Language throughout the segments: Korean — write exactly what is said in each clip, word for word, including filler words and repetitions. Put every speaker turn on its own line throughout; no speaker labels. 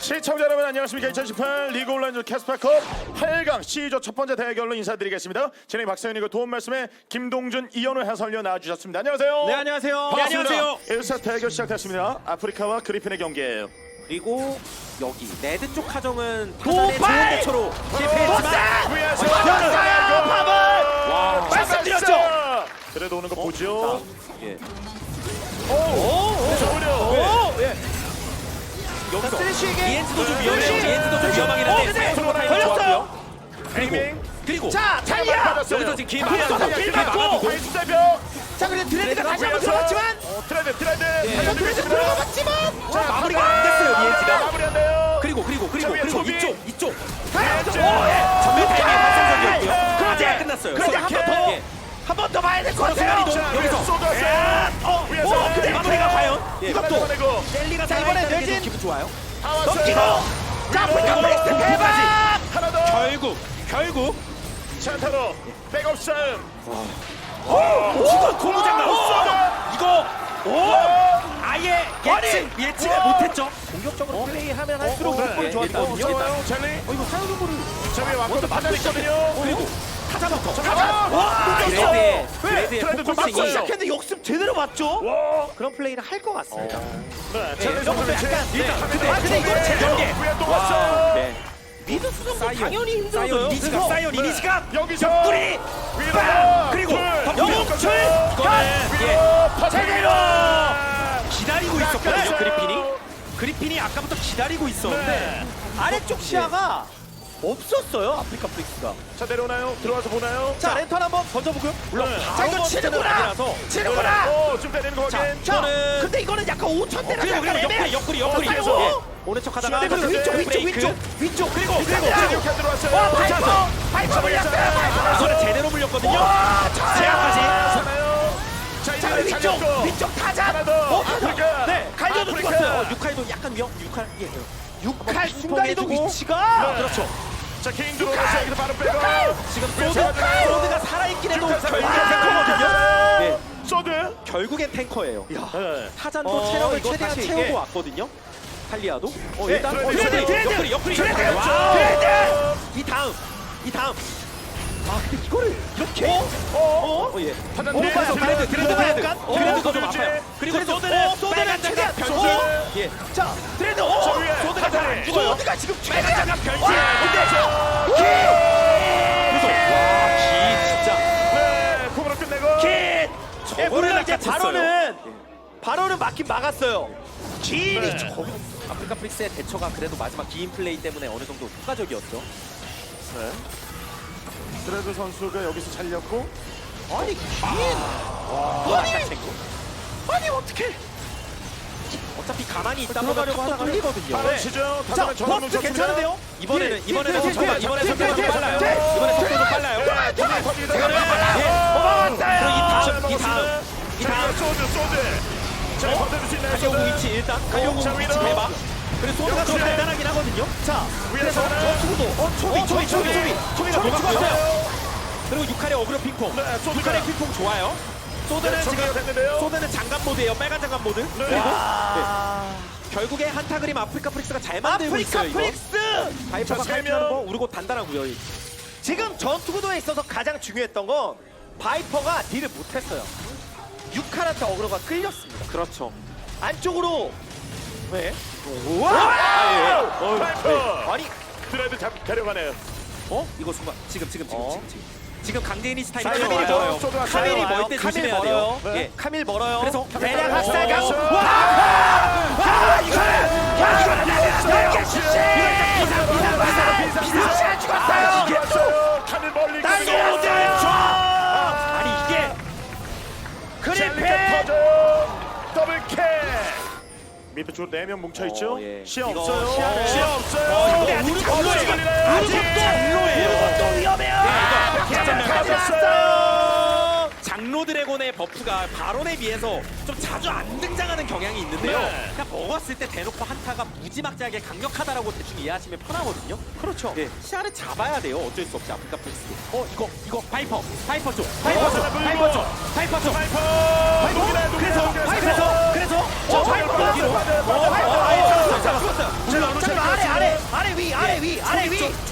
시청자 여러분 안녕하십니까. 이천십팔 리그 온라인 캐스파컵 팔 강 C조 첫 번째 대결로 인사드리겠습니다. 진행 박사연이고 도움 말씀에 김동준, 이현우 해설위원 나와주셨습니다. 안녕하세요.
네, 안녕하세요.
반갑습니다.
네, 안녕하세요.
일 사 대결 시작됐습니다. 아프리카와 그리핀의 경기예요.
그리고 여기 레드 쪽 하정은 타잔의 좋은
도발!
대처로 실패했지만
위에서
졌어요, 밥을!
와.
말씀드렸죠?
그래도 오는 거 보죠.
예.
오오오려.
오, 예. 여기서
쓰레쉬에게
이엔즈도 좀 위험해요.
쓰레쉬!
이엔즈도 좀 위험하긴
어,
한데
근데
서로 타이밍
걸렸어요.
좋았고요.
밍밍.
그리고
자, 탈리아!
여기서 지금 길
그래서
막아두고
길
길
막고!
막아두고
파이스 대표.
자, 근데 드레드가 다시 한번
위에서.
들어갔지만
어, 트레드 트레드.
한번 드레드 들어가봤지만
자,
마무리가 안 됐어요, 이엔지가.
마무리 안 돼요.
그리고 그리고 그리고
자, 위에
그리고
초비.
이쪽 이쪽
왼쪽.
전면 타이밍 환상적이었고요.
그렇지!
네, 끝났어요.
그런데 한 번 더!
예.
한 번 더 봐야 될 것 같아요!
자,
여기서.
위에서 쏟았어요.
어,
위에서.
오, 근데
마무리가 과연 예.
이것도 내고.
셀리가
자, 이번에
살아있다는 게
뇌진.
좀 기분 좋아요.
다 왔어요.
넘기고! 자, 아프리카 프릭스 대박!
하나 더.
결국 결국
찬타로 백업 싸움.
이거 고무장갑 이거
오!
아예 예측 예측을
우와!
못했죠. 공격적으로 플레이하면 할수록
네.
조건이 좋았거든요. 일단
좋아요, 젤리.
어 이거 사용도를
저 위에 왔거든. 판단 있거든요.
그리고 타자부터
가자. 와,
드레드의
왜?
드레드의
트레드 좀
포커싱이
맞고
시작했는데 역습 제대로 맞죠?
와.
그런 플레이를 할 것 같습니다.
네,
네,
젤리
이것도
선수
약간
제-
네,
일단
근데
한
근데 이거
대.
제대로
위에 또 왔어.
네.
미드 수정도
사이언
당연히 힘들어요.
사이언 이니시가 사이언 이니시가
여기서
뿌리
위로
빵! 그리고
둘,
영웅출!
이거는
예.
위로 퍼뜨리고.
제대로! 기다리고 있었거든요.
깎았어요.
그리핀이 그리핀이 아까부터 기다리고 있었는데
네.
아래쪽 시야가 없었어요, 아프리카 프릭스가.
자, 내려오나요? 들어와서 보나요?
자, 랜턴 한번 던져보고요.
물론
네.
자, 이거 치는구나!
아니라서
치는구나!
오, 좀 때리는 거
자,
확인.
자,
이거는-
근데 이거는 약간 오천 대라
그리고 그리고 옆구리 옆구리 옆구리
그리고
예. 오른 척 하다가
시간이
그리고 위쪽, 위쪽,
브레이크.
위쪽, 위쪽.
그리고
그리고
그리고
그리고
이렇게 들어왔어요.
와, 파이퍼!
자,
파이퍼 물렸어요, 파이퍼!
이거는 제대로 물렸거든요.
와, 자,
제압까지.
괜찮아요. 자,
자,
이제
위쪽,
잘렸고.
위쪽 타자.
하나 더.
어, 타자.
아프리카.
네, 갈려도
아프리카.
죽었어요.
어, 육칼도 약간 위험 육칼 예.
육칼
핑퐁
순간이동
해주고.
위치가
네.
그렇죠.
자, 킹 들어오면서 여기서 바로 빼고.
지금
왜
소드
잡아주나요?
소드가 살아있긴 해도
육칼
결국엔
살아있어요.
탱커거든요. 네.
소드.
결국엔 탱커예요.
네.
타잔도
어,
체력을
이거
최대한
다시
채우고
이게-
왔거든요. 탈리아도. 어,
네,
일단
드레드,
어,
드레드,
옆구리,
드레드,
옆구리 옆구리
드레드,
옆구리. 와우.
드레드.
이 다음 이 다음. 아 근데 이거를 이렇게
어?
어? 어 예.
판단
어,
뒤에
그래서
들어가요.
그래도 그래도
들어가요.
그래도
약간?
그래도
어,
좀
그렇지.
아파요. 그리고
그래도-
소드는
어, 소드는
빨간 장갑
최대한
변신.
소드.
예.
자, 드레드.
저
어,
위에
소드가 잘 안 죽어요.
소드가 지금
빨간
최대한
장갑 변신.
와,
그래서 와기 진짜
네, 콩으로 끝내고.
킷! 예,
저거를
물론 이제
낚았어요.
바로는 바로는 막긴 막았어요. 길이
네.
저
아프리카 프릭스의 대처가 그래도 마지막 기인 플레이 때문에 어느 정도 효과적이었죠.
네. 드레드 선수가 여기서 잘렸고.
아니 긴
아니
아니 어떻게?
어차피 가만히 있다
들어가려고
보면 또
하다가
뚫리거든요.
바로
네.
치죠.
자,
다음에 전화
버스 괜찮은데요?
이번에는
뒤에,
이번에는
뒤에,
정말
뒤에,
이번에
뒤에,
속도가
뒤에,
좀 빨라요.
뒤에,
이번에 속도 좀
뒤에,
빨라요.
뒤에,
뒤에
뒤에,
뒤에
예.
고마웠어요.
그리고 이 다음
자,
이 다음 이
자,
다음
소드 소드. 자, 버텨줄 수 있나요?
가려고
소드?
위치 일단 가려고
자,
위치
위로.
대박. 그리고 소드가 더
역시.
간단하긴 하거든요.
자,
위에서 하나.
어
초비 초비 초비 초비 초비가 녹았고요.
죽었어요.
그리고 육칼의 어그로 핑퐁.
네, 소드가.
육칼의 핑퐁 좋아요. 소드는
네,
지금
정리가 됐는데요.
소드는 장갑 모드예요. 빨간 장갑 모드.
네.
그리고
아,
결국에 한타 그림 아프리카 프릭스가 잘 만들고
아프리카
있어요. 이거.
프릭스
바이퍼가
자, 세
칼피하는 거
명.
우르고 단단하고요.
지금 전투 구도에 있어서 가장 중요했던 건 바이퍼가 딜을 못했어요. 육칼한테 어그로가 끌렸습니다.
그렇죠.
안쪽으로 네.
아, 예. 어,
파이퍼.
아니
드레드 잡 데려가네요.
어? 이거 순간 지금 지금 지금
어?
지금 지금 지금 강제이니시 타임
사이언
카밀이
와요.
멀어요.
소드 왔어요.
카밀이
와요.
멀 때
카밀
조심해야 돼요.
멀어요.
네.
예.
카밀 멀어요.
그래서
대략
어,
학살각.
어,
와! 와! 이거는 야 이거는 나는 이게 실시. 비상 비상 비상 비상 비상 죽었어요.
이게 또 카밀 멀리
날려놨어요.
아니 이게
젤리가
그리핀.
터져요. 더블 캐. 밑에 쪽 네 명 뭉쳐 있죠.
어, 예.
시야
이거
없어요.
시야를-
시야
어,
없어요.
이거
아직
우르
장로예요.
아직
아직
장로예요.
이것도 위험해요.
이거
그냥
장면
가졌어요.
장로 드래곤의 버프가 바론에 비해서 좀 자주 안 등장하는 경향이 있는데요.
네.
그냥 먹었을 때 대놓고 한타가 무지막지하게 강력하다라고 대충 이해하시면 편하거든요. 그렇죠. 예, 시야를 잡아야 돼요. 어쩔 수 없이 아프리카 프릭스. 어 이거 이거 파이퍼 파이퍼 쪽 파이퍼 쪽
어,
파이퍼 쪽 파이퍼 쪽
파이퍼.
파이퍼
녹이나요,
그래서
녹이나요,
그래서 그래서
어,
저 파이퍼
파이퍼
뒤로
빠졌어요.
어,
파이퍼
어,
빠졌어요.
죽었어요 죽었어요.
자,
자, 아래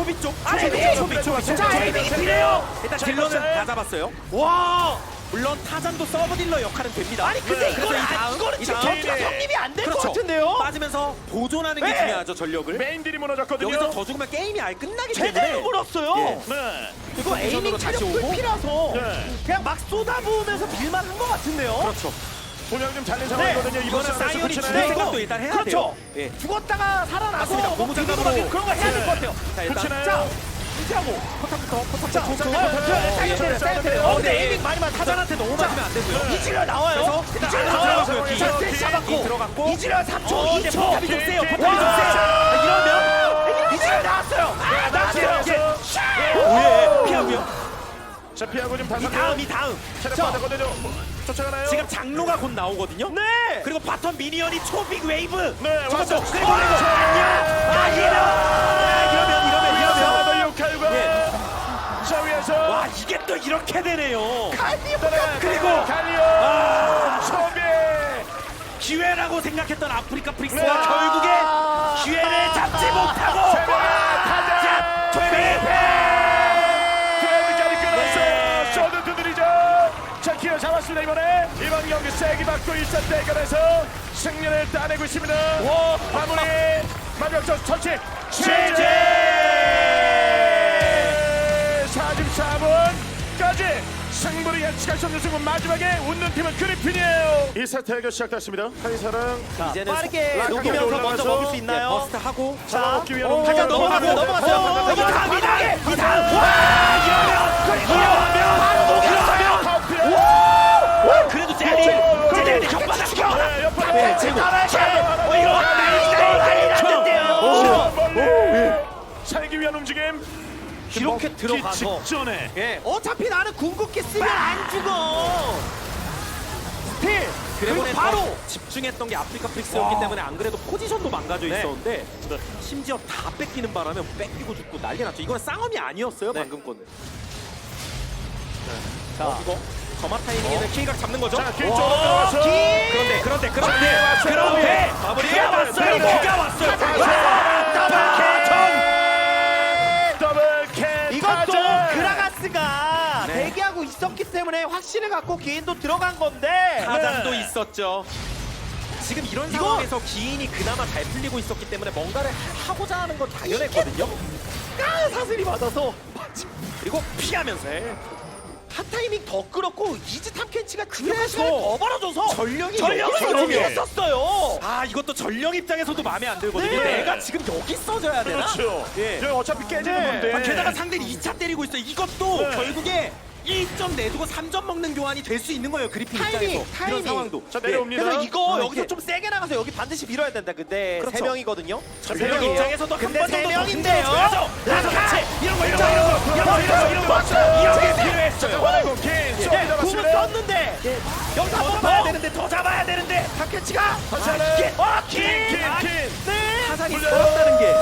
초비 쪽.
아니,
초비
네.
쪽, 초비 쪽.
자, 에이밍이 필요해요.
일단
자,
딜러는
이거
다 잡았어요.
와.
물론 타잔도 서브 딜러 역할은 됩니다.
아니 근데
네.
이거는
그래서 이
안-
다음,
이거는
이
지금
다음.
전투가 성립이 안 될 것
그렇죠.
같은데요.
빠지면서 보존하는 게
네.
중요하죠, 전력을.
메인들이 무너졌거든요.
여기서 더 죽으면 게임이 아예 끝나기 때문에.
제대로 물었어요.
예.
네.
이거 에이밍
다시
체력
오고.
풀피라서
네.
그냥 막 쏟아부으면서 빌만 한 것 같은데요.
그렇죠.
분명 좀 잘린 상황이거든요. 이번
이거는
싸움에서
사이언이
붙이나요?
죽을 생각도 일단 해야
그렇죠.
돼요. 예.
죽었다가 살아나서
맞습니다.
뭐
고무 장갑으로.
비비고 그런 거 해야 될 것 같아요.
자, 일단
붙이나요?
자, 유지하고
포탑부터 포탑부터
자,
초-
자,
초-
자,
초-
자,
어,
사이언 사이언
어,
어,
근데
근데 에이밍 많이 맞
타잔한테 너무 맞으면 안 되고요.
이질러 나와요.
그래서
이질러
일단
나와요.
들어가고요.
자,
뒤.
스테이지 잡았고
들어갔고.
이질러 삼 초,
어,
이 초.
포탑이 좀 세요. 포탑이 좀
와.
세요. 이러면
이질러 나왔어요. 아, 나왔어요.
나왔어요.
예, 피하고요.
자, 피하고 좀
이
다섯
다음 이 다음.
체력
자.
받았거든요. 쫓아가나요?
지금 장로가 곧 나오거든요.
네.
그리고 바텀 미니언이 초빅 웨이브.
네,
저것도
왔어.
그리고 그리고 안녕. 아 이러면 아, 이러면 이러면 이러면.
더 육칼과
예.
자 위에서
와 이게 또 이렇게 되네요.
갈리오가
그리고
갈리오
아.
소비
기회라고 생각했던 아프리카 프릭스가
네.
결국에 기회를 잡지 못하고
타자
퇴비.
퇴비까지 끊었어요.
네.
쇼드 두드리죠. 자 기회 잡았습니다. 이번에 이번 경기 세기 받고 일 선 대결에서 승리를 따내고 있습니다. 마무리 마지막 점 터치 최재 사십사 분까지 승부를 예측할 수 없는 승부. 마지막에 웃는 팀은 그리핀이에요. 이 세트 대결 시작됐습니다. 한이사랑
이제는
빠르게
락하게
녹이면서 먼저
올라가서
먹을 수 있나요?
버스트 하고
자 먹기 위한
오,
움직임
잠깐 넘어갔어요. 넘어갔어요.
어,
이 다음, 이 다음, 이 다음.
와 이러면
바로 녹였어요.
와 그래도 젤리 젤리 혓바닥 죽여.
네, 옆으로
네, 지금 어, 이거 난리 났는데요.
살기 위한 움직임.
이렇게
먹기
들어가서.
직전에
예, 어차피 나는 궁극기 쓰면 안 죽어. 스틸. 그리고
드래곤에
바로
바로 집중했던 게 아프리카 프릭스였기 때문에 안 그래도 포지션도 망가져
네.
있었는데 심지어 다 뺏기는 바람에 뺏기고 죽고 난리 났죠. 이건 쌍엄이 아니었어요.
네.
방금 거는. 자 이거 점화 타이밍에는 K각 잡는 거죠.
자 길쪽으로 들어가서
그런데 그런데 그런데
왔어요.
그런데
마무리.
비가 왔어요.
네.
비가 왔어요.
더블 캔
이것도
타자.
그라가스가
네.
대기하고 있었기 때문에 확신을 갖고 기인도 들어간 건데
타잔도
네.
있었죠. 지금 이런
이거-
상황에서 기인이 그나마 잘 풀리고 있었기 때문에 뭔가를 하- 하고자 하는 건 당연했거든요.
까 사슬이 맞아서
그리고 피하면서
한 타이밍 더 끌었고 이즈 탐켄치가
그래서
시간을 더 벌어줘서
전력이
전력을
여기서
여기
여기에.
했었어요.
아 이것도 전령 입장에서도 마음에 안 들거든요.
네.
내가 지금 여기 써줘야 되나?
그렇죠.
예.
예. 어차피 깨지는
네.
건데.
아, 게다가 상대는 이 차 때리고 있어요. 이것도
네.
결국에 일 점 내주고 삼 점 먹는 교환이 될 수 있는 거예요. 그리핀
타이밍,
입장에서
타이밍.
이런 상황도.
자 내려옵니다.
그래서 이거
아,
여기서
이게-
좀 세게 나가서 여기 반드시 밀어야 된다. 근데
그렇죠.
세 명이거든요.
자,
전령
명이에요.
입장에서도 한
근데
번
세
정도 더
명인데요.
힘들어줘야죠. 그래서
라카!
같이 이런 거 이런 거
자,
이런 거 이런 거 이런 거 이런 거
왔어요.
이런 게
자,
필요했어요.
잡아내고 긴
예,
쏘기
궁을
잡았습니다.
썼는데 여기서
더
한번
잡아야
더.
되는데 더 잡아야 되는데
탐켄치가
다시
아,
하나.
이게- 아, 긴!
긴,
아,
긴.
네.
타산이
물려요.
들었다는 게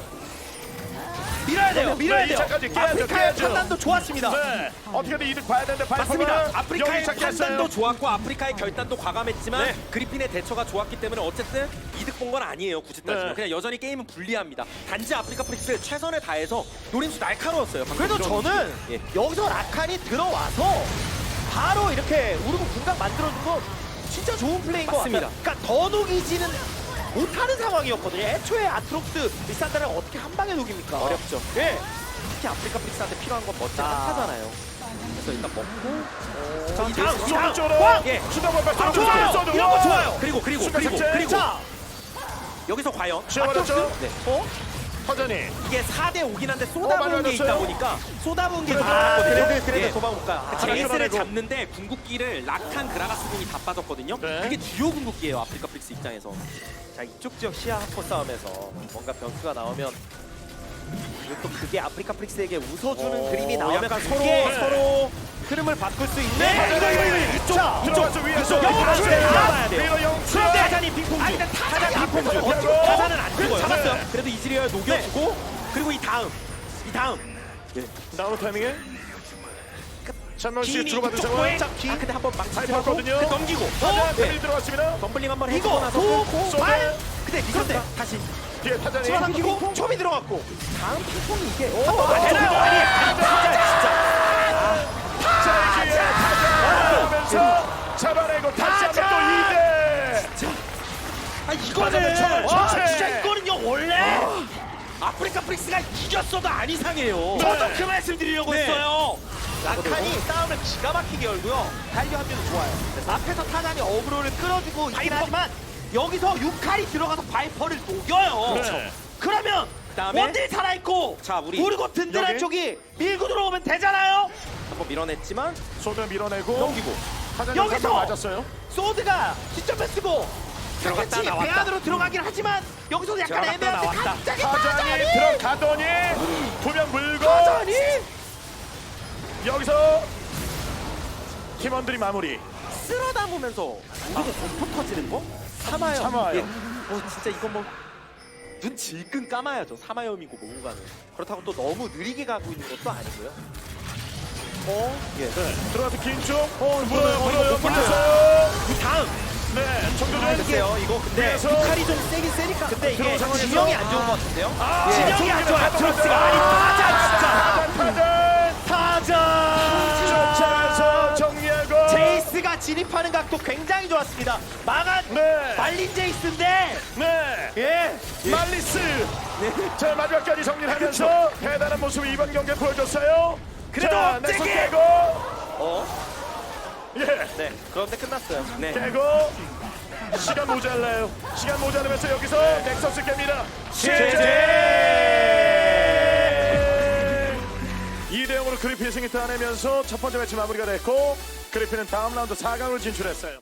밀어야 돼요. 밀어야
네,
돼요.
이 차까지 깨야죠,
아프리카의
깨야죠.
판단도 좋았습니다.
네. 어떻게든 이득 봐야 되는데 발포가
맞습니다. 아프리카의
여기 찾겠어요.
판단도 좋았고 아프리카의 결단도 과감했지만
네.
그리핀의 대처가 좋았기 때문에 어쨌든 이득 본 건 아니에요. 굳이 따지면
네.
그냥 여전히 게임은 불리합니다. 단지 아프리카 프릭스 최선을 다해서 노림수 날카로웠어요. 방금
그래도
이런
저는
예.
여기서 라칸이 들어와서 바로 이렇게 우르고 공각 만들어준 거 진짜 좋은 플레이인 것
맞습니다.
같아요. 그러니까 더 녹이지는 못하는 상황이었거든요. 애초에 아트록스 리산다를 어떻게 한 방에 녹입니까?
어렵죠.
예.
특히 아프리카 프릭스한테 필요한 건 멋진
아.
한타잖아요. 그래서 일단 먹고
자,
이
다음,
다음,
다음.
쪽으로
와!
예.
수다볼 발
아, 좋아요. 이런 거 좋아요.
그리고 그리고
순간
그리고
삭제.
그리고
자,
여기서 과연
지워버렸죠.
네.
어?
허전히
이게 사 대 오긴 한데
어,
쏟아부은 게 있다
맞아요.
보니까 쏟아부은 게
그래도-
많았거든요.
그래도 그래도
예.
도망 못 가요. 아,
제이스를
끌어내고.
잡는데 궁극기를 락한 그라가스 궁이 다 빠졌거든요.
네.
그게 주요 궁극기예요. 아프리카 프릭스 입장에서.
자, 이쪽 지역 시야 확보 싸움에서 뭔가 변수가 나오면 그리고 또 그게 아프리카 프릭스에게 웃어주는
오,
그림이 나오면
약간
그게
서로-
네.
서로 흐름을 바꿀 수 있는
네, 이거, 이거, 이거,
이쪽
자, 들어가서 위에서
이쪽
다시
이쪽
잡아야 돼요.
위로 영
그런데 타잔이 핑퐁
아니,
중.
근데 타잔이
타잔 핑퐁
앞에서
중.
어찌고.
타잔은 안
그래도
죽어요.
잡았어요.
네. 그래도 이즈리얼 녹여주고 그리고 이 다음 이 다음
나오는 타이밍에 찬원 씨
기인이
주고받은
이쪽
상황.
보에 아 근데 한번
잘
망치하고
봤거든요.
그 넘기고
타자
네.
패밀 들어갔습니다.
덤블링 한번
이거
해주고 나서
도,
쏘네.
발
근데 그런데 다시
뒤에 타자니.
집어삼키고 초비 들어갔고 다음 핑퐁이 이게
오,
한번 되나요?
오,
아니
오, 자, 이제 타자 오면서 잡아내고 다시 한번 또 이 대.
아
맞아,
이거는
맞아,
와,
맞아.
진짜 이거는요 원래 아프리카 프릭스가 이겼어도 안 이상해요. 저도 그 말씀 드리려고
네.
했어요.
라칸이 싸움을 기가 막히게 열고요. 달려 합류도 좋아요. 앞에서 타잔이 어그로를 끌어주고 있긴
바이퍼.
하지만 여기서 육칼이 들어가서 바이퍼를 녹여요.
네.
그러면
그다음에
원딜 살아있고
자, 우리
그리고 든든한
여기?
쪽이 밀고 들어오면 되잖아요.
한번 밀어냈지만
소드 밀어내고
넘기고
타자니
여기서!
한번 맞았어요.
소드가 시점에 쓰고
들어갔다
타켓이
나왔다.
배 안으로 들어가긴 하지만 여기서도 약간
들어갔다
애매한데
나왔다.
갑자기
타자니
타잔이
들어가더니 두 명 물고
타잔이
여기서 팀원들이 마무리.
쓸어 담으면서 우리가 공포 터지는 거? 사마염.
사마염.
예. 어 진짜 이건 뭐눈 질끈 감아야죠. 사마염이고 뭐가는.
그렇다고 또 너무 느리게 가고 있는 것도 아니고요.
어? 예.
네. 들어가서 긴 쪽. 어, 물어요,
어,
물어요,
이거
물려서.
그 다음
네, 정도전.
글쎄요 이거 근데
그래서
육칼이 좀 세긴 세니까 근데 이게
들어온 상황에서
진영이 안 좋은 것 같은데요?
아,
진영이 안 좋아요.
타자,
트러스가 아니 타자 진짜
타자,
타자
쫓아서 정리하고.
제이스가 진입하는 각도 굉장히 좋았습니다. 망한
네.
말린 제이스인데
네.
예
말리스. 자, 마지막까지 정리하면서 대단한 모습을 이번 경기에 보여줬어요.
그래도
자, 넥슨
세게!
깨고.
어?
예.
네 그런데 끝났어요.
네.
깨고. 시간 모자라요. 시간 모자라면서 여기서 넥서스 깹니다. 이 대 영으로 그리핀이 승리 따내면서 첫 번째 매치 마무리가 됐고 그리핀은 다음 라운드 사 강으로 진출했어요.